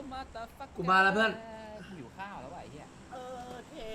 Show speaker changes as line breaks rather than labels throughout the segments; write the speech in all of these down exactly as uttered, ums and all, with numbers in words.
กูมาแล้วเพื่อน
กูอยู่ข้าวแล้วว่ะไอ้เหี้ย
เออเท่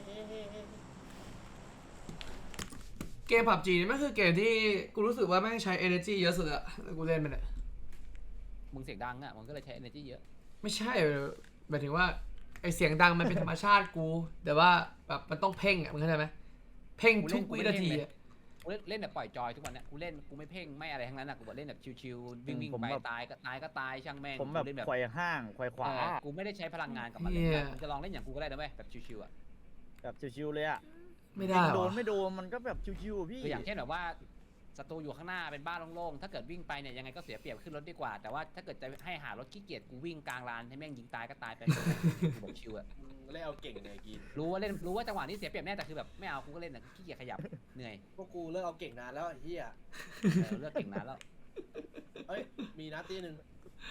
เกมผับจีนี่มันคือเกมที่กูรู้สึกว่าแม่งใช้ energy เยอะสุดอะแล้วกูเล่นมันอะ
มึงเสียงดังอ่ะมึงก็เลยใช้ energy เยอะ
ไม่ใช่หมายถึงว่าไอเสียงดังมันเป็นธรรมชาติกูแต่ว่าแบบมันต้องเพ่งอะมึงเข้าใจไหมเพ่งทุกวินาทีอะ
กูเล่นแบบปล่อยจอยทุกวันเนี่ยกูเล่นกูไม่เพ่งไม่อะไรทั้งนั้นอ่ะกูบอกเล่นแบบชิวๆวิ่งวิ่งไปตายก็ตายก็ตายช่างแม่ง
ผมแบบไขว่ห้างไขว่ขวา
กูไม่ได้ใช้พลังงานกับมันเลยมึงจะลองเล่นอย่างกูก็ได้นะเว้ยแบบชิวๆอ่ะ
แบบชิวๆเลยอ่ะ
ไม่ได้
โดนไม่โดนมันก็แบบชิวๆพี่
คืออย่างเช่นแบบว่าศัตรูอยู่ข้างหน้าเป็นบ้านโล่งๆถ้าเกิดวิ่งไปเนี่ยยังไงก็เสียเปรียบขึ้นรถดีกว่าแต่ว่าถ้าเกิดจะให้หารถขี้เกียจกูวิ่งกลางลานให้แม่งยิงตายก็ตายไปกูบอกชิวอะ
เล่นเอาเก่งเลยกิน
รู้ว่าเล่นรู้ว่าจังหวะนี้เสียเปรียบแน่แต่คือแบบไม่เอากูก็เล่นแต่ขี้เกียจขยับเหนื่อย
พวกกูเลิกเอาเก่งนานแล้วไอ้เหี้ย
เลิกเก่งนานแล้ว
เฮ้ยมีนัดตีหนึ่ง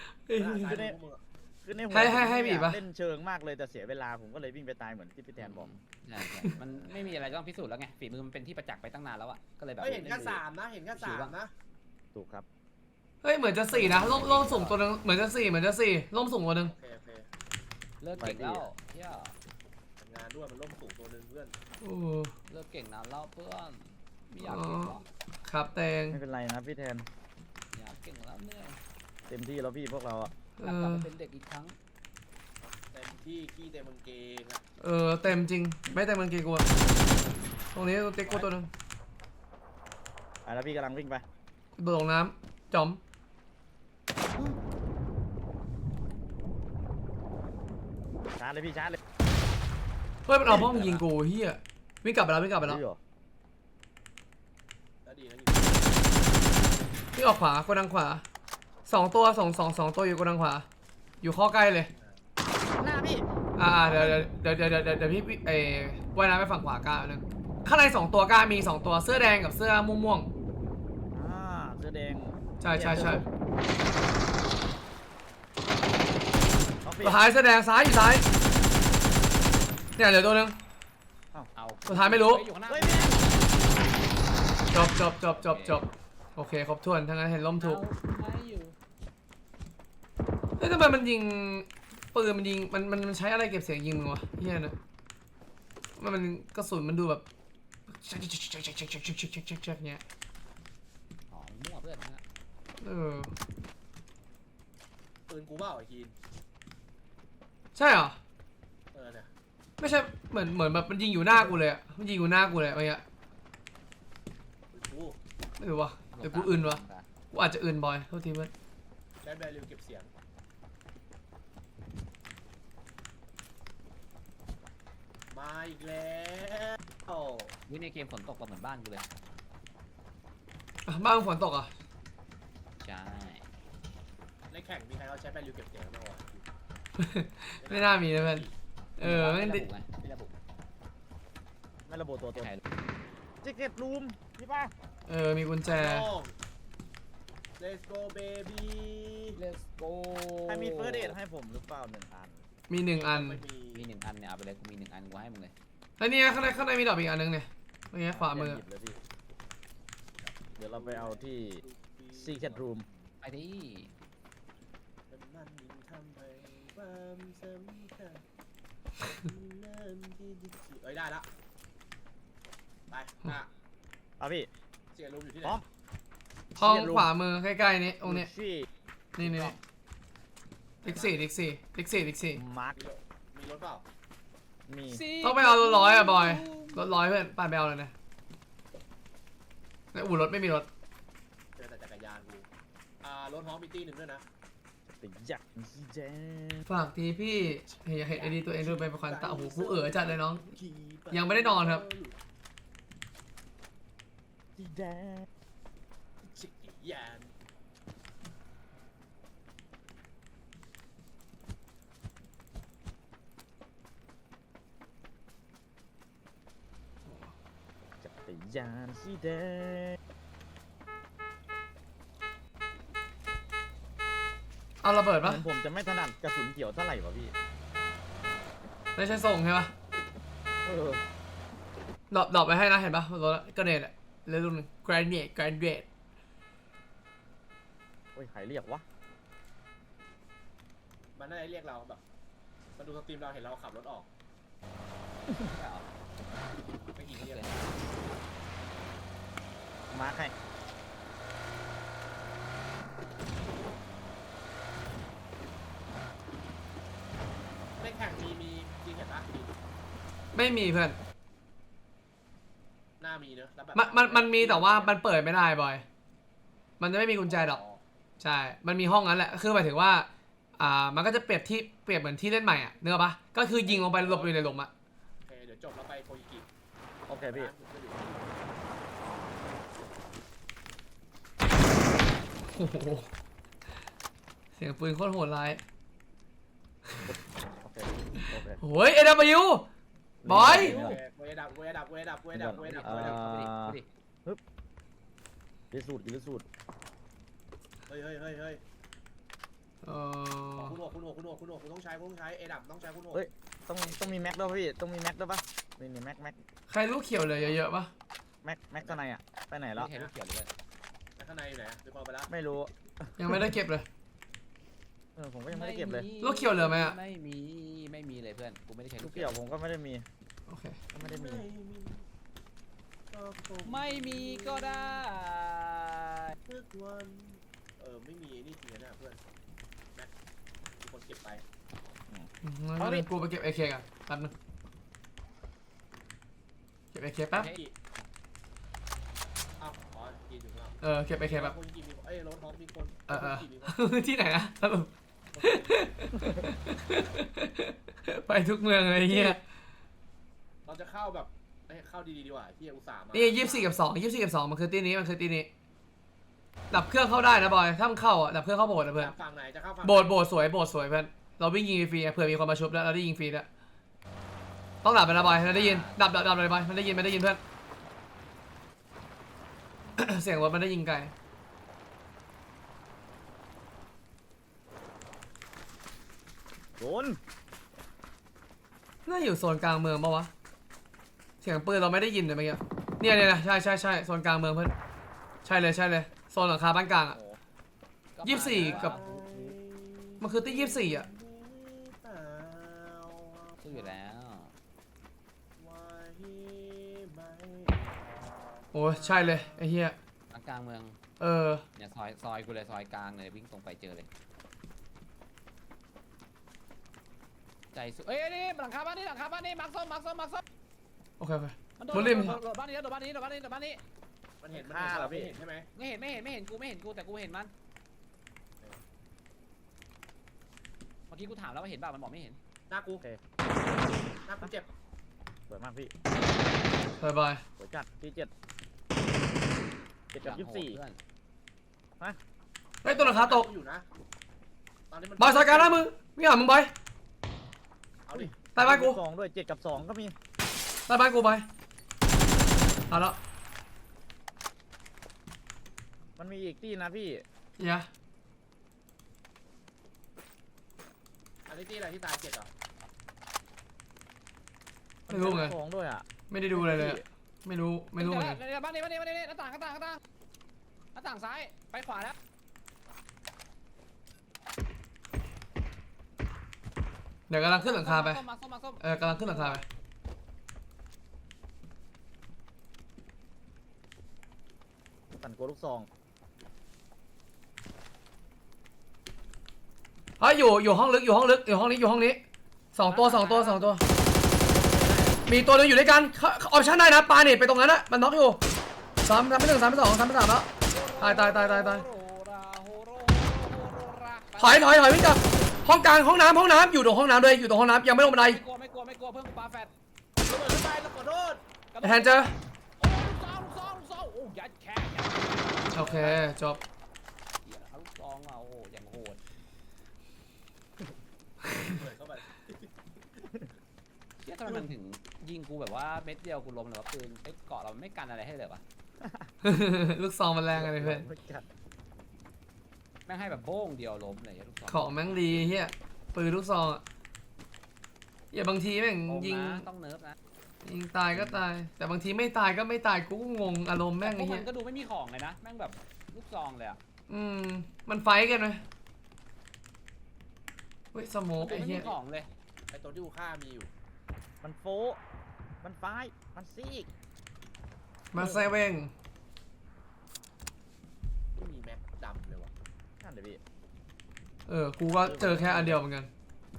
คือในหัวให้ให้ให้บีบเล่นเชิงมากเลยแต่เสียเวลาผมก็เลยวิ่งไปตายเหมือนที่พี่แทนบอก
ใช่มันไม่มีอะไรต้องพิสูจน์แล้วไงฝีมือมันเป็นที่ประจักษ์ไปตั้งนานแล้วอะก็เลยแบบ
เห็นแค่สามนะเห็นแค่สามนะ
ถูกครับ
เฮ้ยเหมือนจะสี่นะล่มล่มสูงตัวนึงเหมือนจะสี่เหมือนจะสี่ล่มสูงตัวนึง
เลิกเก่งแล้วเที่ย
ทำงานด้วยมันล่มสูงตัวนึงเพื่อน
เลิกเก่งนานแล้วเพื่อนไม่อยากเก่งหรอก
ครับแตง
ไม่เป็นไรนะพี่แทน
อยากเก่งแล้วเหนื่อย
เต็มที่แล้วพี่พวกเราอะ
อยากกลับไปเป็นเด็กอีกครั้ง
เต็มที่ขี้เต็มมันเกงอะ
เออเต็มจริงไม่เต็มมันเกงกูตรงนี้เต็กกูตัวนึง
อ่ะแล้วพี่กำลังวิ่งไป
โดดลงน้ำจอม
ชาร์จเลยพี่ชาร์จเลย
เฮ้ยมันเอาพ่อมยิงกูเฮียวิ่งกลับไปแล้ววิ่งกลับไปแล้ววิ่งออกขวากูดังขวาสองตัวสองสองสองตัวอยู่กูดังขวาอยู่ข้อใกล้เลย
หน้าพี่
อ่าเดี๋ยวเดี๋ยวเดี๋ยวเดี๋ยวเดี๋ยวพี่เอว่ายน้ำไปฝั่งขวากล้านึงข้างในสองตัวกล้ามีสองตัวเสื้อแดงกับเสื้อม่วงม่วง
อ่าเสื้อแดง
ใช่ใช่ใช่สุดท้ายเสื้อแดงซ้ายอยู่ซ้ายเนี่ยเดี๋ยวตัวนึงสุดท้ายไม่รู้จบจบจบจบจบโอเคครบถ้วนทั้งนั้นเห็นล้มถูกเฮ้ยทำไมมันยิงปืนมันยิงมันมันมันใช้อะไรเก็บเสียงยิงมึงวะเฮียนะมันมันกระสุนมันดูแบบชักชักชักชักชักชักชักชักชักชักชักเนี้ย
อ๋อมั่วเพื่อนนะ
เออ
ปืนกูเปล่าไอ้คีน
ใช่เหรอ
เออเนี่ย
ไม่ใช่เหมือนเหมือนแบบมันยิงอยู่หน้ากูเลยอะมันยิงอยู่หน้ากูเลยอะไรเงี้ยไม่รู้วะเดี๋ยวกูอื่นวะกูอาจจะอื่นบ่อยเท่าทีเพื่อน
ใช้แบริวเก็บเสียงมาอีกแล้ว
วิในเกมฝนตกเหมือนบ้านกูเลย
บ้านฝนตกอ่ะ
ใช่
ในแข่งมีใครเขาใช้แบริวเก็บเสียงบ้างวะ
ไม่น่ามีนะเพื่อนเออไม่
ได้ไม่ระบุ
ไม่ระบุตัวตัวเจ็ดรูมพี่ป้า
เออมีกุญแจ
Let's go baby
Let's go
ใครมีเฟิร์สเอดให้ผมหรือเปล่าหนึ่งอัน
มีหนึ่งอัน
มีหนึ่งอันเนี่ยเอาไปเลยกูมีหนึ่งอันกูให้มึงเลย
แล้วนี่ข้างในข้างในมีดอกอีกอันนึงเนี่ยเมื่อกี้ขวามือ
เดี๋ยวเราไปเอาที่ Secret Room
ไปดิ
เอ้ยได้ละไปอ่ะ
เอาพี่
เสียรูมอยู่ที่ไหน
ห้องขวามือใกล้ๆนี้ตรงนี้นี่นี่ดิกซี่ดิกซี่ดิกซี่ดิกซี่
มาร์ค
มีรถเปล่า
มี
ต้องไปเอารถร้อยอ่ะบอยรถร้อยเพื่อนไปไปเอาเลยนะในอู่รถไม่มีรถ
เจอแต่จักรยานกูอ่ารถฮ้องมีตี้หนึ่งด้วยนะ
ฝากทีพี่อยากเห็นไอดีตัวเองดูเป็นประคันตาโอ้โหกูเอ๋อจัดเลยน้องยังไม่ได้นอนครับ
จักรยาน
จักรยานสีแดง
เอาระเบิดปะ
ผมจะไม่ถนัดกระสุนเกี่ยวเท่าไหร่วะพี่
ไม่ใช่ส่งใช่ปะดรอปดรอปไปให้นะเห็นปะรถกระเด็นอะเรื่องนึง grenade grenade
โอ้ยใครเรียกวะ
มันน่าจะเรียกเราแบบมาดูสตรีมเราเห็นเราขับรถออก
ไม่เอา
ไม่กี่
โอ
เรียก
เค
มาร์คให้
ในแข่งมีมีจริงเห็นปะมี
ไม่มีเพื่อน
หน้ามีเนอะแล้วแบบ
มันมันมันมีแต่ว่ามันเปิดไม่ได้บอย มันจะไม่มีกุญแจดอกใช่ มันมีห้องนั้นแหละคือหมายถึงว่าอ่ามันก็จะเปรียบที่เปรียบเหมือนที่เล่นใหม่อ่ะเนื้อปะก็คือยิงลงไปหลบอยู่ในหลุมอ่ะ
โอเคเดี๋ยวจบแล้วไปโคยิกิ
โอเคพี่
โอ้โหเสียงปืนโคตรโหดร้าย
โอเคโอเค
โอ้ยเอ็ดบิวบอย
โอเคกูจะดับกูจะดับกูจะดับกูจะดับกูจะดับกูจะดับ
ดูดิดูดิ
ยืดสูตรยืดสูตร
เฮ้ยเฮ้ยเฮ้ยเฮ้ย
เออ
คุณหนวกคุณหนวกคุณหนวกคุณหนวกคุณต้องใช้คุณต้องใช้เอดับต้องใช้คุณหนวก
ต้องต้องมีแม็กด้วยพี่ต้องมีแม็กด้วยปะนี่นี่แม็กแม็ก
ใครลูกเขียวเลยเยอะๆปะ
แม็กแม็กข้างในอ่ะไปไหนแล้ว
ไม่เห็นลูกเขียวเลย
แล้วข้างในอยู่ไหนอะดูพอไปแล้ว
ไม่รู้
ยังไม่ได้เก็บเลย
เออผมก็ยังไม่ได้เก็บเลย
ลูกเขียวเหลือไหมอะ
ไม่มีไม่มีเลยเพื่อนกูไม่ได้ใช้
ลู
ลู
ก
ก
เกี่
เขี
ย
ยว ว
ผมก็ไม่ได้มี
โอเค
ก็ไม่ได้มี
ก็คง
ไม่มีก็ได้
ทุกวันเออไม่มีนี่จริงนะเพื่อนแม็กมีคนเก็บไป
งั้นเดี๋ยวกูไปเก็บ เอ เค กันแป๊บนึงเก็บ เอ เค แป๊บ
โคยิกิอ้าวอ๋อกินอยู่ข้างนอก
เออเก็บ เอ เค แป๊บ
โคยิกิมีคนเอ้ยรถท้องมีคน
เออเออ
โคยิกิมีคน
ที่ไหนนะสรุป ไปทุกเมืองเลยเฮีย
เราจะเข้าแบบเอ้ยเข้าดีๆดีกว่าที่อุตส่าห์มา
นี่ยี่สิบสี่กับสองยี่สิบสี่กับสองมันคือตีนี้มันคือตีนี้ ดับเครื่องเข้าได้นะบอย ถ้ามันเข้าอ่ะดับเครื่องเข้าโบสถ์นะเพื่อน
จากฝั่งไหนจะเข้าฝั่ง
โบสถ์โบสถ์สวยโบสถ์สวยเพื่อน เราวิ่งยิงฟรีๆเผื่อมีคนมาชุบแล้วเราได้ยิงฟรีแล้วต้องดับไปนะบอยมันได้ยิน ดับดับดับเลยบอยมันได้ยินมันได้ยินเพื่อน เสียงรถมันได้ยิงไกล
โดน
น่าอยู่โซนกลางเมืองปะวะ เสียงปืนเราไม่ได้ยินเลยเมื่อกี้ เนี่ยเนี่ยนะใช่ใช่ใช่โซนกลางเมืองเพื่อน ใช่เลยใช่เลย โซนหลังคาบ้านกลางอ่ะ ยี่สิบสี่กับ มันคือตียี่สิบสี่อ่ะ
สู้อยู่แล้ว
โอ้ยใช่เลยไอ้เหี้ย
กลางเมือง
เออ
เนี่ยซอยซอยกูเลยซอยกลางเลยวิ่งตรงไปเจอเลยใจสุดเอ้ยนี่หลังคาบ้านนี่หลังคาบ้านนี่มาร์คส้มมาร์คส้มมาร์คส้ม
โอเคโอเค
มันโดด
บนริม
โดดบ้านนี้โดดบ้านนี้โดดบ้านนี้โดดบ้านนี้
มันเห็นมันเห็นเราไม่เห็นใช่ไหม
ไม่เห็นไม่เห็นไม่เห็นกูไม่เห็นกูแต่กูเห็นมันเมื่อกี้กูถามแล้วว่าเห็นเปล่ามันบอกไม่เห็น
หน้ากูหน้ากูเจ็บ
สวยมากพี่
บายบาย
สวยจัดที่เจ็ดเจ็ดกับยี่สิบสี่
เพื่อน
เฮ้ยตัวหลังคาตก
อยู่นะตอนนี้มัน
บอยสายการหน้ามึงไม่หามึงบอย
เอาดิ
ใต้บ้านกู
สองด้วยเจ็ดกับสองก็มี
ใต้บ้านกูบอยเอาละ
มันมีอีกที่นะพี่
เหี้ย
อันนี้ที่อะไรที่ตายเจ็บเหรอ
ไม่รู้ไง
สองด้วยอ่ะ
ไม่ได้ดูอะไรเลยอะไม่รู้ไม่รู้เหมือนกัน
เดี๋ยวบ้านนี้บ้านนี้บ้านนี้หน้าต่างหน้าต่างหน้าต่างหน้าต่างซ้ายไปขวาแล้ว
เดี๋ยวกำลังขึ้นหลังคาไป
ส้มมาส้มมาส้ม
เออกำลังขึ้นหลังคาไป
สั่นโกลูกซอง
เฮ้ยอยู่อยู่ห้องลึกอยู่ห้องลึกอยู่ห้องนี้อยู่ห้องนี้สองตัวสองตัวสองตัว มีตัวหนึงอยู่ด้วยกันออปชั่นได้นะปาเน็ตไปตรงนั้นนะมันน็อกอยู่สามสามไม่หนึ่งสามไม่สองสามไม่สามแล้วตายตายตายตายตายถอยถอยถอยวิ่งกลับห้องกลางห้องน้ำห้องน้ำอยู่ตรงห้องน้ำเลยอยู่ตรงห้องน้ำยังไม่ลงบันได
ไม่กลัวไม่กลัวไม่กลัวเพิ่มปลาแฟด
ระเบิดขึ้นไปแล้วขอโทษ
แทนเจอ
โอ้ลูกซองลูกซองลูกซองโอ้ยัดแค่ยัด
โอเคจบ
เหี้ยเอาลูกซองมาโอ้โหอย่างโหด
เปิดเข้าไป
เชี่ยทำไมมันถึงยิงกูแบบว่าเม็ดเดียวกูล้มเลยว่าปืนไอ้เกาะเราไม่กันอะไรให้เลยวะ
ลูกซองมันแรงอะไรเพื่อน
แม่งให้แบบโบ้งเดียวล้มเลยลูกซอง
ของแม่งดีเฮียปืนลูกซองอ่ะอย่าบางทีแม่ง
โอ้
ยิง
นะต้องเนิร์ฟนะ
ยิงตายก็ตาย แต่บางทีไม่ตายก็ไม่ตายกูก็งงอารมณ์แม่ง
พว
ไอ้
ก
เฮี
มั
ย
นก็ดูไม่มีของเลยนะแม่งแบบลูกซองเลยอะ
อืมมันไฟท์กันไหมเฮ้ยสโมก
ไม่
ไอ้
มี
เหี้ย
ของเลย
ไอ้ตัวที่กูฆ่ามีอยู่
มันโฟมันไฟมันซีก
มาเซเว่ง
ไม่มีแม็กดำเลยวะ
นั่นเดี๋ยวพี่
เออกูก็เจอแค่อันเดียวเหมือนกัน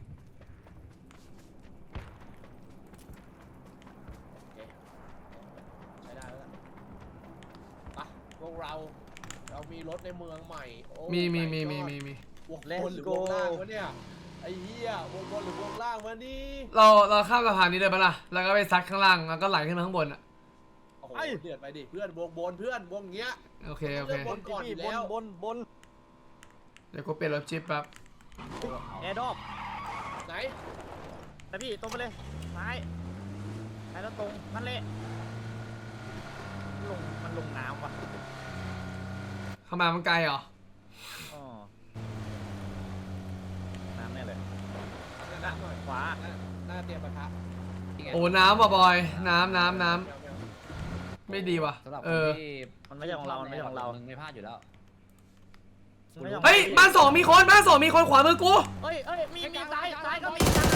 โอเคใช้ได้แล้วล่ะไปพวกเราเรามีรถในเมืองใหม่โอ้
มีมี
my
มีมี
god
มีมี
วงบนหรือวงล่างวะเนี่ยไอ้เหี้ยวงบนหรือวงล่างวะนี่
เราเราข้ามสะพานนี้เลยปะล่ะแล้วก็ไปซัดข้างล่างแล้วก็ไหลขึ้นมาข้างบนอ่ะ
โอ้โหเดือดไปดิเพื่อนวงบนเพื่อนวงเงี้ย
โอเคโอเค
บนก่อนอ
พี่
ยู่
บ
แล้
น
ว
บนบน
เดี๋ยวกูเปลี่ยนรถจิ๊บแป๊บ
แอร์ดรอป
ไหน
แต่พี่ตรงไปเลยซ้ายซ้ายแล้วตรงนั่นแหละลงมันลงน้ำว่ะ
เข้ามามันไกลเหรอ
อ๋อน้ำแน่เลย
หน้าหน่อย
ขวา
หน้าหน้าเตรียมปะทะ
โอ้น้ำว่ะบอยน้ำน้ำน้ำไม่ดีว่ะ
สำหรับ
เอ
คน
อ
ที่
มันไม่ใช่ของเรามันไม่ใช่ของเรา
มึงไม่พลาดอยู่แล้ว
มันไม่ใช่ของ
เฮ้ย
ร
บ้านสองมีคนบ้านสองมีคนขวามือกู
เฮ้ยเฮ้ยมีมีซ้ายซ้ายก็มี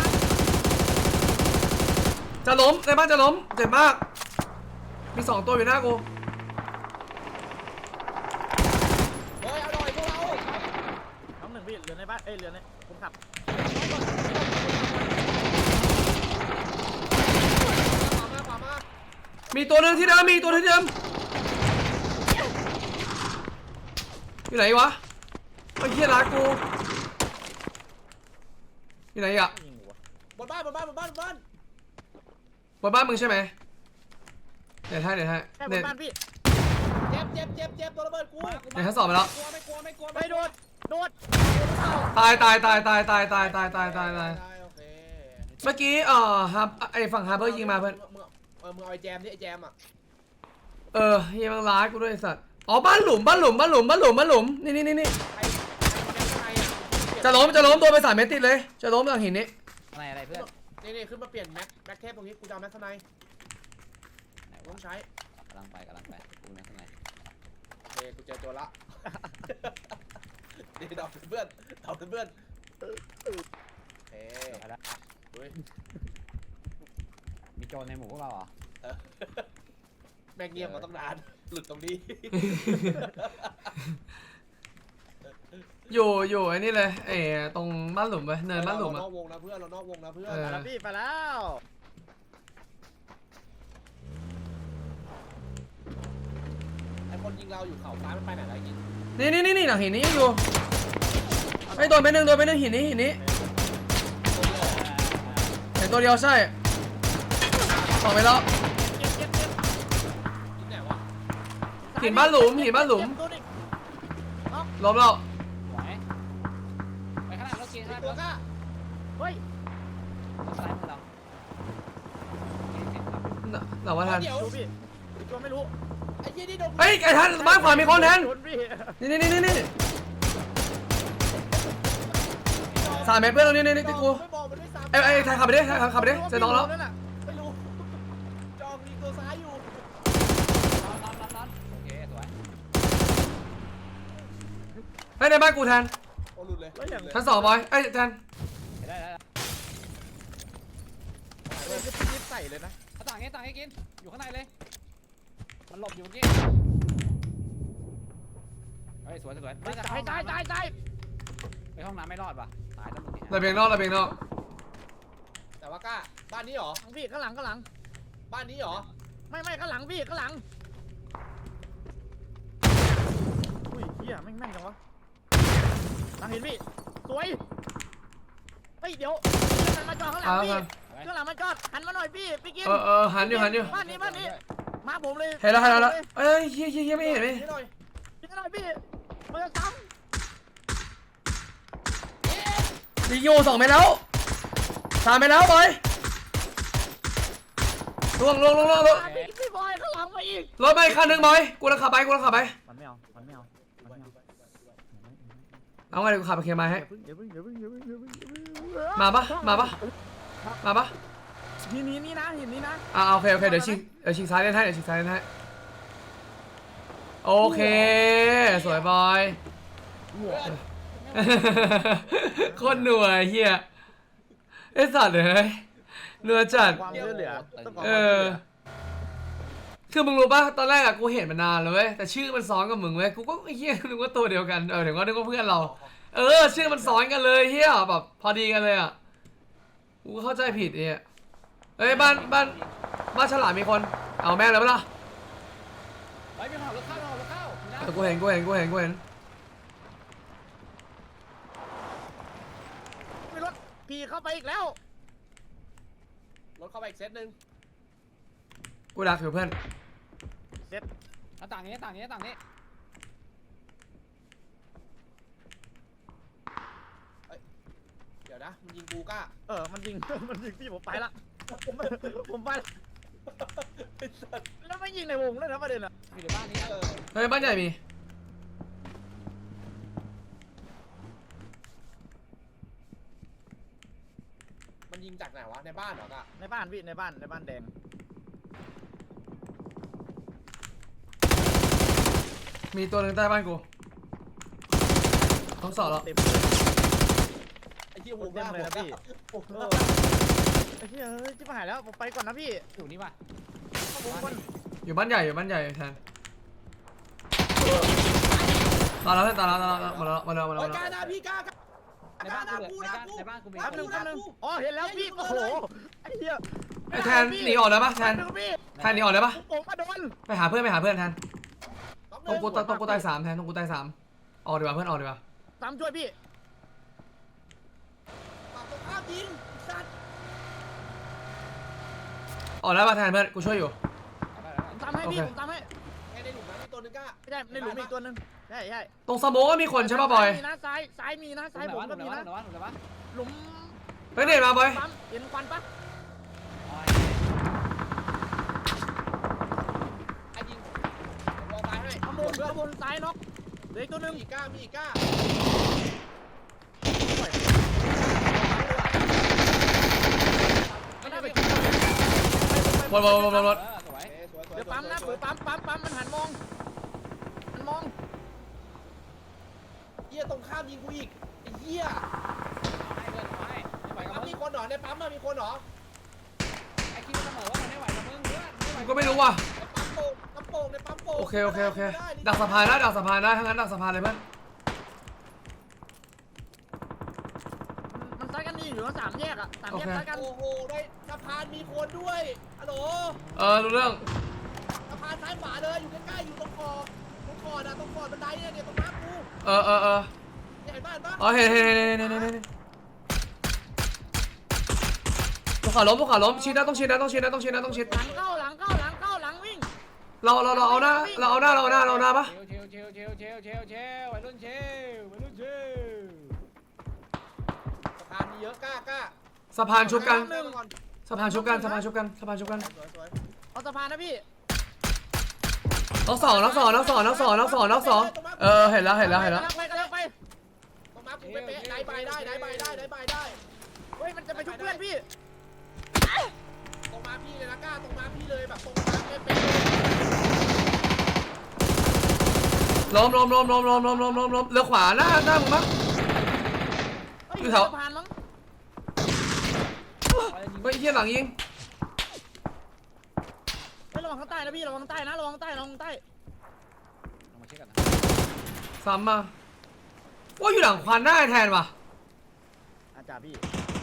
จะล้มในบ้านจะล้มเจ็บมาก มีสองตัวอยู่หน้ากู
เฮ้ยเอาหน่อยพวกเรา
น้องหนึ่งพี่เหลือในบ้านเอ้ยเหลือในคนขับ
ขวามาขวามา
มีตัวหนึงที่เดิมมีตัวที่เดิมอยู่ไหนวะไอ้เหี้ยรักกูอยู่ไหนอ่ะ
ยิงหัว
บนบ้านบนบ้านบนบ้านบนบ้าน
บนบ้านมึงใช่ไหมเดี๋ยวให้เดี๋ยวให้
แค่บ
เน็
น
ต
บ้านพี่
เจ็บเจ็บเจ็บเจ็บตัวระเบิดกู
เดี๋ยวทั้งสองไปแล้ว
กลัวไม่กลัวไม่กลัว
ไปโดดโดด
ตายตายตายตายตายตายตายตายตายตาย
โอเค
เมื่อกี้เอ่อฮับไอฝั่งฮาร์เบอร์ยิงมาเพื่อน
มึงเออมึงเอาไอ้แจมนี่ไอ้แจมอ่ะ
เออเฮียมันร้ายกูด้วยไอ้สัตว์อ๋อบ้านหลุมบ้านหลุมบ้านหลุมบ้านหลุมบ้านหลุมนี่นี่นี่นี่
ไอ้ไอ้แจมข้างในอ่ะ
จะล้มจะล้มตัวไปสามเมตรติดเลยจะล้มหลังหินนี้
อะไรอะไรเพื่อน
นี่นี่ขึ้นมาเปลี่ยนแม็กแม็กเทปตรงนี้กูจะเอาแม็กข้างใน
ไหน
ต้
วะ
องใช้
กำลังไปกำลังไปกูนะข้างใน
โอเคกูเจอตัวละ นี่ดอกเพื่อนดอกเพื่อนโอเค
ไปแล้ว
เฮ้ย
มีโจรในหมู่พวกเราเหรอ
เออแม่งเงียบมาตั้งนานหลุดตรงนี้
อยู่อยู่ไอ้นี่เลยไอ้ตรงบ้านหลุมไปเนินบ้านหลุม
เรา
อะ
นอกวงนะเพื่อนเรานอกวงนะเพื่อน
เออ
ไปแล้วพี่ไปแล้ว
ไอ้คนยิงเราอยู่เขาซ้ายมันไปไหนแล้วยิง
นี่นี่นี่นี่หลังหินนี้ยังอยู่ไอ้โดนไปหนึ่งโดนไปหนึ่งหินนี้หินนี้เห็นตัวเดียวใช่สองไปแล้ว
เจ็บเจ็บเจ็บ
ยิงไหนวะ
หินบ้านหลุมหินบ้านหลุม
เจ็บตัวอีก
ล้มแล้ว
ไหวไปข้างหน้ารถกินข้างห
ตัว
น้ารถ
ก้า
เฮ้ย
ซ้ายมือเราเก่งๆครับ
หลังว่าทัน
เดี๋ยว
ดูพี่อีกตัวไม่รู้
ไอ้ยี่นี่โดน
เฮ้ยไอ้ทันบ้านขวามีคนแทน
โดนพี่
นี่นี่นี่นี่สามเมตรเพื่อนตรงนี้นี่นี่ที่กู
ไม่บอกมันไม่ซ้ำ
ไอ้ไอ้ไทยขับไปดิไทยขับไปดิเจอน้องแล้ว
นั่นน่ะ
ไม่รู้จองยิงตัวซ้ายอยู่
นอนนอนนอนนอนโอเคสวย
เฮ้ยในบ้านกูแทน
โอ้หลุดเลย
แล้วอย่าง
ชั้นสองบอยไอ้ยแทน
ได้ได้ได้
เฮ้ยรีบใส่เลยนะ
ต่างให้ต่างให้กินอยู่ข้างในเลยมันหลบอยู่เมื่อกี้เฮ้ยสวยสวย
ตายตายตายตาย
ไปห้องน้ำไม่รอดว่ะตายแล้วมึงเนี่ย
ระเบียงนอกระเบียงนอก
แต่ว่ากล้าบ้านนี้เหรอ
ข้างพี่ข้างหลังข้างหลัง
บ้านนี้เหรอ
ไม่ไม่ข้างหลังพี่ข้างหลังอุ้ยเฮียแม่งแม่งจังวะหลังเห็นพี่สวยเฮ้ยเดี๋ยวหันมาจอดข้างหลัง
เอา
พี่
กัน
ข้างหลังมาจอดหันมาหน่อยพี่พี่กิน
เออเออหันอยู่หันอยู่
บ้านนี้บ้านนี้มาผมเลย
เห็นแล้วเห็นแล้วแล้วเอ้ยเฮียเฮียเฮียไม่เห็นไหม
นี่หน่อย
ยิงหน่อยพี่มันจะซ้
ยิงอยู่สองเมตรแล้วสามเมตรแล้วบอยล่วงล่วงล่วงล่วงล่วง
ำพี่พี่บอยข้างหลังมาอีก
รถไปคันหนึ่งบอยกูจะขับไปกูจะขับไป
มันไม่เอามันไม่เอามันไม่เอา
เอาไงเดี๋ยวกูขับไปเคลียร์ไม้ให้
อย่าเพิ่งอย่าเพิ่งอย่าเพิ่งอย่าเพิ่งอย่าเพิ่ง
มาปะมาปะมาปะ
หินนี้นี่นะหินนี้นะ
อ่าโอเคโอเคเดี๋ยวชิงเดี๋ยวชิงซ้ายเล่นให้เดี๋ยวชิงซ้ายเล่นให้โอเคสวยบอย
เพื่อน
ไ
โคตรหนัวไอ้เฮียไอ้สัตว์เลยหนัวจัด
ความช่วยเหลือต้องขอ
เอ
ความช่วย
อ
เหลือ
คือมึงรู้ป่ะตอนแรกอะกูเห็นมานานแล้วเว้ยแต่ชื่อมันซ้อนกับมึงเว้ยกูก็ไอ้เฮียนึกว่าตัวเดียวกันเออถึงว่านึกว่าเพื่อนเรา เออชื่อมันซ้อนกันเลยเฮียแบบพอดีกันเลยอะกูก็เข้าใจผิดเอยเอ้ยบ้านบ้านบ้านฉลามมีคนเอาแม่งเลยปะล่ะ
เฮ้ยมีคนขับรถเข้ามีคนขับรถเข้านะ
เออกูเห็นกูเห็นกูเห็นกูเห็น
มีรถขี่เข้าไปอีกแล้ว
รถเข้าไปอีกเซตหนึ่ง
กูดักอยู่เพื่อน
เซ็ต
หน้าต่างนี้หน้าต่างนี้หน้าต่างนี้
เดี๋ยวนะมันยิงกูก้า
เออมันยิง มันยิงพี่ผมไปละผมผมไปละแล้วไม่ยิงในวงเลยนะประเด็นอะ
อยู่ในบ้านนี้นะ
เออ
เฮ้ยบ้านใหญ่มี
มันยิงจากไหนวะในบ้านเหรอก้า
ในบ้านพี่ในบ้านในบ้านแดง
มีตัวหนึ่งใต้บ้านกูต้องสอบแล้ว
เต็มเลย
ไอ้ที่วงหน้า
เต็มเลยนะพี่
วงห
เอ
น้า
อไอ้เหี้ยเฮ้ยจิ๊บหายแล้วผมไปก่อนนะพี่
อยู่นี่ว่ะ
เข้าวงก่อน
อยู่บ้านใหญ่อยู่บ้านใหญ่แทนตายแล้วเพื่อนตายแล้วตายแล้วมาแล้วมาแล้วมาแล้ว
โอ้
มาย แล้ว
ก้าหน้าพี่ก้าก้า
ในบ้านกูเลยในบ้านในบ้านกูมี
แป๊บหนึงแป๊บหนึงอ๋อเห็นแล้วพี่โอ้โหไอ้เหี้ย
ไอ้แทนหนีออกได้ปะแท
แป๊
น
บหนึงพี่
แทนหนีออกได้ปะ
ผมมาโดน
ไปหาเพื่อนไปหาเพื่อนแทน
ต้อง
ตรงกูตรงกูตายสามแทนตรงกูตายสามออกดีกว่าเพื่อนออกดีกว่า
ตามช่วยพี่
ปากตรงข้ามยิงสัตว์
ออกได้ปะแทนเพื่อนกูช่วยอยู่
ผมตามให้พี่
โอเค
ผมตามให้
ไอ้ในหลุมนั้นมีตัวหนึงก้า
ไม่ใช่ในหลุมอีกตัวหนึงใช่ใช่
ตรงสโมกก็มีคนใช่ปะบอย
มีนะซ้ายซ้ายมีนะซ้ายผมก็มีนะ
หนูวะหนูวะ
หลุม
เฮ้ยเด็ดมาบอย
ปั๊มเห็นควันปะ
ไอ้ยิงวอลตายให้
ข้างบนข้างบนซ้ายน็อกเหลืออีกตัวหนึง
มีอีกก้ามีอีกก้า
ไม่ได้ไป
หมดหมดหมดหมดหมด
เออสวย
เอ้ยสวยสวย
เดี๋ยวปั๊มนะ
ส
เดี๋
วย
ยวปั๊มปั๊มปั๊มมันหันมองมันมอง
เหี้ยตรงข้ามยิงกูอีกไอ้เหี้ย
ให้เพื่อนเอาให้ไม่ไหวกับ
ปั๊ม
มึ
มี
ง
คนเหรอในปั๊มอะมีคนเหรอ
ไอ้คิดเสมอว่ามันไม่ไหวกับมึงเพื่อนไม่ไหว
กูก็ไม่รู้ว่ะ
ในปั๊มโป่งปั๊มโป่งในปั๊มโป่ง
โอเคโอเคโอเค
ได้ได้
ดักสะพานนะดักสะพานนะทั้างนั้นดักสะพานเลยเพื่อน
มันซ้ายกันนี่อยู่ว่าสามแยกอะสามแยก
โอเค
ซ้ายกัน
โอ้โหในสะพานมีคนด้วยฮัลโหล
เออรู้เรื่อง
สะพานซ้ายขวาเลยอยู่ใกล้ๆอยู่ตรงคอตรงคอนะตรงคอบันไดเนี่ยเนี่ยตรงน้ำกู
เออเออเออ
เนี่ยเห็นบ้านปะ
อ๋อเห็นเห็นเห็นเห็นเห็นเห็นเห็นเห็นภูเขาล้มภูเขาล้มชิดนะต้องชิดนะต้องชิดนะต้องชิดนะต้องชิด
หลังเข้าหลังเข้าหลังเข้าหลังวิ่ง
เราเราเราเอาหน้าเราเอาหน้าเราเอาหน้าเราเอาหน้าปะ
เชลเชลเชลเชลเชลเชลเชลวัยรุ่นเชลวัยรุ่นเชล
สะพานมีเยอะกล้ากล้า
สะพานชุบกัน
เริ่มก่อน
สะพานชุบกันสะพานชุบกันสะพานชุบกัน
สวยสวย
เอาสะพานนะพี่
น้องสองน้องสองน้องสองน้องสองน้องสองน้องสองเออเห็นแล้วเห็นแล้วเห็นแล้ว
กำลังไปกำลังไป
ตรงน้ำกูเป๊ะๆได้ใบได้ได้ใบได้ได้ใบได้
เฮ้ยมันจะไปชุบเพื่อนพี่
ตรงมาพี่เลยนะกล้าตรงมาพี่เลยแบบตรงน้ำเป๊ะ
ล้มล้มล้มล้มล้มล้มล้มล้มล้มเรือขวาหน้าหน้ามึงมั้ง
เฮ้ย
อยู่แถว
สะพานมั้ง
เฮ้ยเฮียหลังยิง
เฮ้ยระวังข้างใต้นะพี่ระวังข้างใต้นะระวังข้างใต้ระวังข้างใต้
ลงมาเช็คกันนะ
ซ้ำมาว่าอยู่หลังควันหน้าไอ้แทนว่ะ
อาจารย์พี่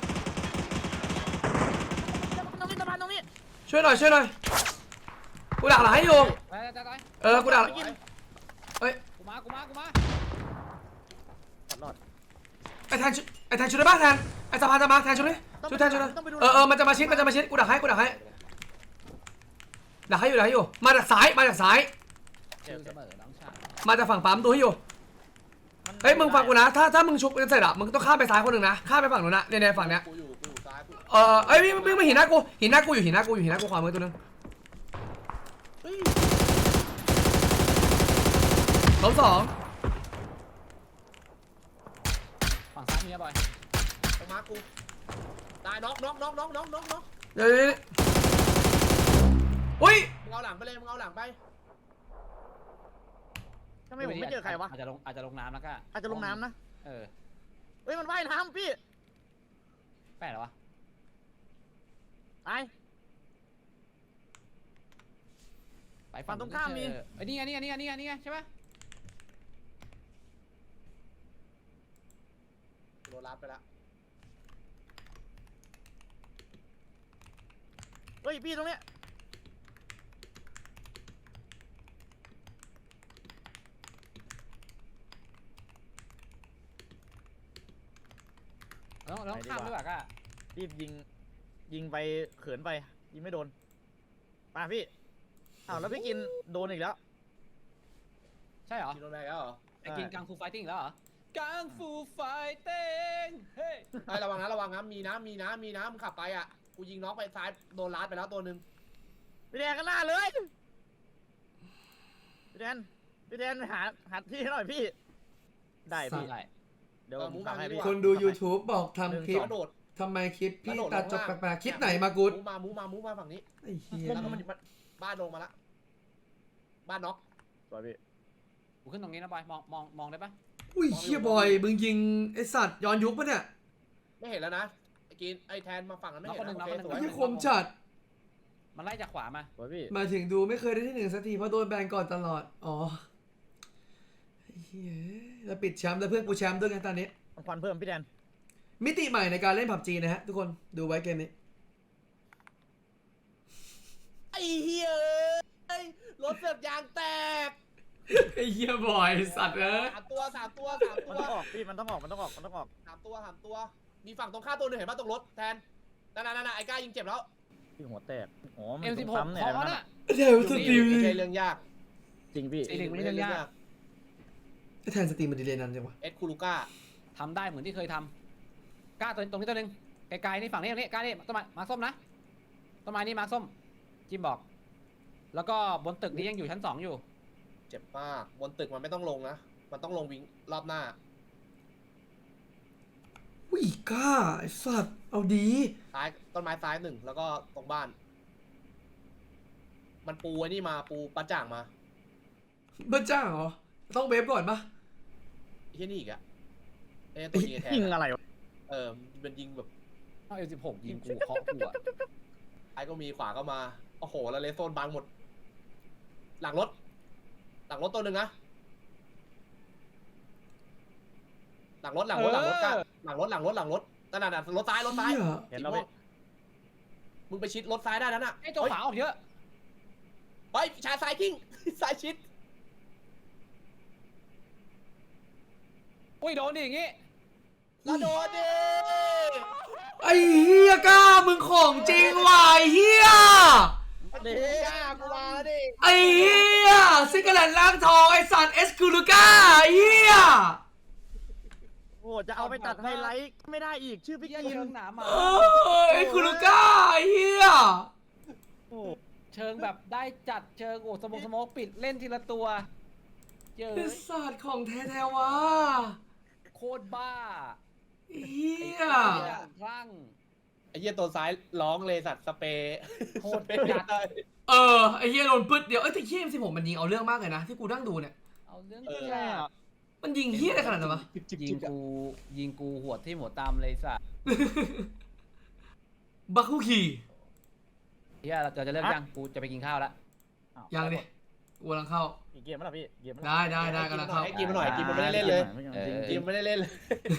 ตรงนี้สะพานตรงนี้
ช่วยหน่อยช่วยหน่อยกูดักหลังให้อยู่
ไปไปไป
เออกูดัก
ๆสวย
เฮ้ย
กูมากูมากูมา
รอด
ไอ้แทนช่วยไอ้แทนช่วยได้ป่ะแทนไอ้สะพานจะมาแทนช่วยดิช่วยแทนช่วยหน่อย
ต้องไปดู
เออเออมันจะมาชิดมันจะมาชิดกูดักให้กูดักให้ดักให้อยู่ดักให้อยู่มาจากซ้ายมาจากซ้าย
เชลเสมอน้องชาย
มาจากฝั่งปั๊มดูให้อยู่เฮ้ยมึงฟังกูนะถ้าถ้ามึงชุบกันเสร็จอะมึงต้องข้ามไปซ้ายคนหนึ่งนะข้ามไปฝั่งนู้นนะเนี่ยเนี่ยฝั่งเนี้ย
กูอยู่กูอยู่ซ้ายกู
เออเอ้ยวิ่งวิ่งมาหินหน้ากูหินหน้ากูอยู่หินหน้ากูอยู่หินหน้ากูขวามือตัวหนึง
เฮ้ย
ล้มสอง
ฝั่งซ้ายมีนะบอย
ตรงมากูตายน็อกน็อกน็อกน็อกน็อกน็อกน็อก
เดี๋ยวเดี๋ยวเดี๋ยวอุ้ย
มึงเอาหลังไปเลยมึงเอาหลังไป
ทำไมผมไม่เจอใครวะ
อาจจะลงอาจจะลงน้ำแล้วก็
อาจจะลงน้ำนะ
เออ
เฮ้ยมันว่ายน้ำพี่
แปลกเหรอวะ
ตาย
ไปฝั่ง
ฝั่งตรงข้ามมี
เจอเอ้ยนี่ไงนี่ไงนี่ไงนี่ไงนี่ไงใช่ปะ
โดนรัดไปละ
เฮ้ยพี่ตรงเนี้ย
เราต้องเราต้องข้ามด้วยป่ะก้า
รีบยิงยิงไปเขินไปยิงไม่โดนมาพี่อ้าวแล้วพี่กินโดนอีกแล้ว
ใช่เหรอ
กินโดนแรกแล้วเหรอ
ไอ้กินกังฟูไฟติ้งแล้วเหรอกังฟูไฟติ้งเฮ้ย
ไอ้ยระวังนะระวังนะมีนะมีนะมีนะมึงขับไปอ่ะกูยิงน็อกไปซ้ายโดนรัดไปแล้วตัวหนึ่ง
พี่แดนกันหน้าเลยพี่แดนพี่แดนหาหาที่ให้หน่อยพี่ได้พี่
ใช่
เดี๋ยวผมทำให้พี่
คนดู YouTube บอกทำคลิป
กระโดด
ทำไมคลิปพี่
กระโดด
ตัดจบ
ลงล่าง
แปลกๆคลิปไหนมากูด
มูมามูมามูมาฝั่งนี้
ไอ้เหี้ย
แล้วก็มันมันบ้านลงมาละบ้านน็อก
สวยพี่
กูขึ้นตรงนี้นะบอยมองมองมองได้ปะ
อุ้ยเหี้ยบอยมึงยิงไอสัตว์ย้อนยุคปะเนี่ย
ไม่เห็นแล้วนะไอ้กินไอ้แทนมาฝั่งนั้นไม่เห็นนะโอเคสวย
ไอ้คมจัด
มันไล่จากขวามา
สวยพี่
มาถึงดูไม่เคยได้ที่หนึ่งสักทีเพราะโดนแบนก่อนตลอดอ๋อไอ้เหี้ยแล้วปิดแชมป์แล้วเพื่อนกูแชมป์ด้วยกันตอนนี้
ควันเพิ่มพี่แดน
มิติใหม่ในการเล่นผับจีนะฮะทุกคนดูไว้เกมนี้
ไอ้เหี้ยเอ้ยรถเสียบยางแตก
ไอ้เหี้ยบอยสัตว์เอ้ย
สามตัวสามตัวสามตั
มัน
ว
ต้องออกพี่มันต้องออกมันต้องออกมันต้องออก
สามตัวสามตัวมีฝั่งตรงข้ามตัวหนึงเห็นป่ะตรงรถแทนนั่นนั่นนั่นไอ้ก้ายิงเจ็บแล้ว
พี่หัวแตกอ๋อมัน
เอ็ม
ต้
สิ
อบ ง
หก
ซ้ำเนี่ย
ขอ
นะ
น่ะ
เดี๋ยวสตรีม
ไม่ใช่เรื่องยาก
จริงพี่
ไอ้เด็กไม่ได้เรื่องยาก
ไอ้แทนสตรีมมันดีเลยนั่นจังวะ
เอ็ดคูลูก้า
ทำได้เหมือนที่เคยทำกล้าตัวตรงนี้ตัวหนึงไกลๆนี่ฝั่งนี้ตรงนี้กล้านี่ต้นไม้มาร์คส้มนะต้นไม้นี่มาร์คส้มจิมบอก แล้วก็บนตึกนี้ยังอยู่ชั้นสองอยู่
เจ็บมากบนตึกมันไม่ต้องลงนะมันต้องลงวิ่งรอบหน้า
อุ้ยกล้าไอ้สัตว์เอาดี
ซ้ายต้นไม้ซ้ายหนึ่งแล้วก็ตรงบ้าน มันปูไอ้นี่มาปูปลาจ่างมา
บ้าจ้างเหรอต้องเวฟก่อนปะ
ไอ้ที่นี่อีกอะเอ้ยตัวยิงไอ้แทน
ยิง
อะ
อะไรวะ
เออมันยิงแบบ
เอาเอ็มสิบหกยิงกูเคาะกูอะ
ไอ้ก็มีขวาก็มาโอ้โหแล้วเลสโซนบังหมด หลังรถ หลังรถตัวหนึ่งนะหลังรถหลังรถหลังรถกันหลังรถหลังรถหลังรถนั่นน่ะรถซ้ายรถซ้าย
เหี้ย
เห็นแล้วพี่
มึงไปชิดรถซ้ายได้นั่นน่ะ
ไอ้ตัวขวาออกเยอะ
เฮ้ยชายซ้ายกิ้ง ซ้ายชิด
อุ้ยโดนดิอย่างงี้
แล้วโดนดิ
ไอ้เฮียกล้ามึงของจริงว่ะไอ้เฮีย
เด็กอ่ะกูมาแล้วดิ
ไอ้เฮียซิกเกอร์แลนด์ล่างทองไอ้สัตว์เอสคูลูก้าไอ้เฮีย
โอ้จะเอาไปตัดไฮไลท์ไม่ได้อีกชื่อพี่
เยี่ย
กิน
เชิงหนามา
เออเอสคูลูก้าไอ้เฮีย
โอ้
เชิงแบบได้จัดเชิงโอ้สมองสมองปิดเล่นทีละตัวเจอ
ไอ้สัตว์ของแท้ๆวะ
โคตรบ้า
เฮีย
อย่างคลั่ง
ไอ้เหี้ยตัวซ้ายร้องเลยสัตว์สเปรย์
โคตร
สเปรย์
จัด
ได้
เออไอ้เฮียโดนปึ๊ดเดียวเอ้ยแต่เฮียสิบหกมันยิงเอาเรื่องมากเลยนะที่กูนั่งดูเนี่ย
เอาเรื่อง
เออ
แย่
มันยิงเฮียอะไรขนาดนั้นวะ
ยิงกูยิงกูหัวที่หัวตามเลยสัส
บักคุคี
เฮียเราจะเลิกยังกูจะไปกินข้าวแล้ว
อ้าว
ยังดิกูกำลังเข้า
อีกเกมมั้ยล่ะพี่เกมมั้ย
ได้ได้ได้กำลังเข้า
ให้กินมาหน่อยกินมันไม่ได้เล่นเลย
เออ
กินไม่ได้เล่นเลย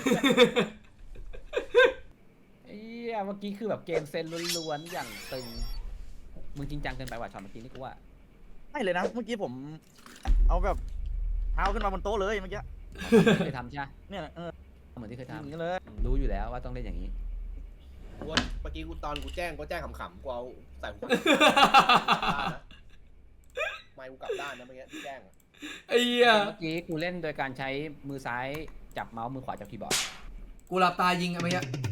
เฮียเมื่อกี้คือแบบเกมเซนล้วนๆอย่างตึงมึงจริงจังเกินไปว่ะช็อตเมื่อกี้นี่กูว่า
ไม่เลยนะเมื่อกี้ผม เอาแบบเท้าขึ้นมาบนโต๊ะเลยเมื่อกี้
เคยทำใช่ไหม
เนี่ยเออ
เหมือนที่เคย
อย่างนี้
ทำ
เลย
รู้อยู่แล้วว่าต้องเล่นอย่างนี้
กูว่าเมื่อกี้กูตอนกูแจ้งกูแจ้งขำๆกูเอาใส่หูฟังไม่กูกลับด้านนะเมื่อกี้ที่แจ้งอะ
ไอ้เหี้ย
เมื่อกี้กูเล่นโดยการใช้มือซ้ายจับเมาส์มือขวาจับคีย์บอร์ด
กูหลับตายิงอะเมื่อกี้